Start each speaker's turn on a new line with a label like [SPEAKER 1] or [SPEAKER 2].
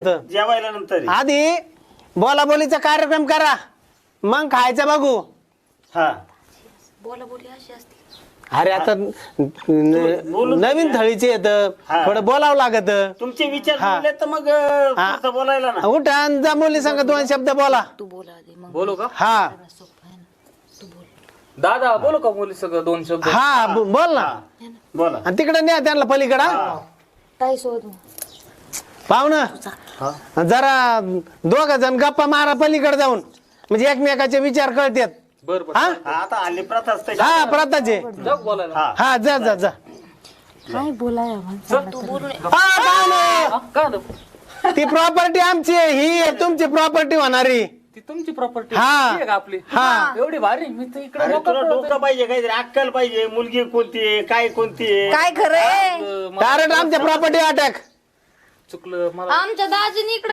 [SPEAKER 1] जेवायला नंतर
[SPEAKER 2] आधी बोलाबोलीचा कार्यक्रम करा मग खायचं बघू.
[SPEAKER 1] हा
[SPEAKER 3] बोलाबोली अशी असते.
[SPEAKER 2] अरे आता नवीन थळीचे येत
[SPEAKER 1] हा.
[SPEAKER 2] थोडं बोलावं लागत.
[SPEAKER 1] तुमचे विचार
[SPEAKER 2] हा.
[SPEAKER 1] बोलले तर मग पुढचं बोलायला ना.
[SPEAKER 2] उठा आणि जा मुली संग 2 शब्द बोला.
[SPEAKER 3] तू बोला आधी मग
[SPEAKER 4] बोलू का
[SPEAKER 2] हा
[SPEAKER 3] सोपं आहे ना. तू बोल.
[SPEAKER 4] दादा बोलू का मुली सगळं 2 शब्द.
[SPEAKER 2] हा बोल ना.
[SPEAKER 1] बोला
[SPEAKER 2] आणि तिकडे न्या त्यांना पलीकडा
[SPEAKER 3] ताई सोबत
[SPEAKER 2] पाहुणं जरा 2 जण गप्पा मारा पलीकडे जाऊन म्हणजे एकमेकाचे विचार कळतात.
[SPEAKER 4] बर बर
[SPEAKER 2] हा
[SPEAKER 1] आता हल्ली प्रथा असते.
[SPEAKER 2] हा प्रताचे
[SPEAKER 4] जग बोलायला.
[SPEAKER 1] हा
[SPEAKER 2] हा जा जा जा.
[SPEAKER 3] काय बोलाय तू बोलून
[SPEAKER 2] हा पाहुणं
[SPEAKER 4] का नको?
[SPEAKER 2] ती प्रॉपर्टी आमची आहे ही तुमची प्रॉपर्टी होणारी.
[SPEAKER 4] ती तुमची प्रॉपर्टी
[SPEAKER 2] हा.
[SPEAKER 4] आहे का आपली.
[SPEAKER 2] हा.
[SPEAKER 4] एवढी भारी मी तर इकडे
[SPEAKER 1] अरे तुला डोकं पाहिजे काहीतरी अक्कल पाहिजे. मुलगी कोणती आहे काय कोणती आहे.
[SPEAKER 3] काय खरंय
[SPEAKER 2] डायरेक्ट आमच्या प्रॉपर्टी अटॅक.
[SPEAKER 4] चुकलं मला.
[SPEAKER 3] आमच्या दाजीने इकडे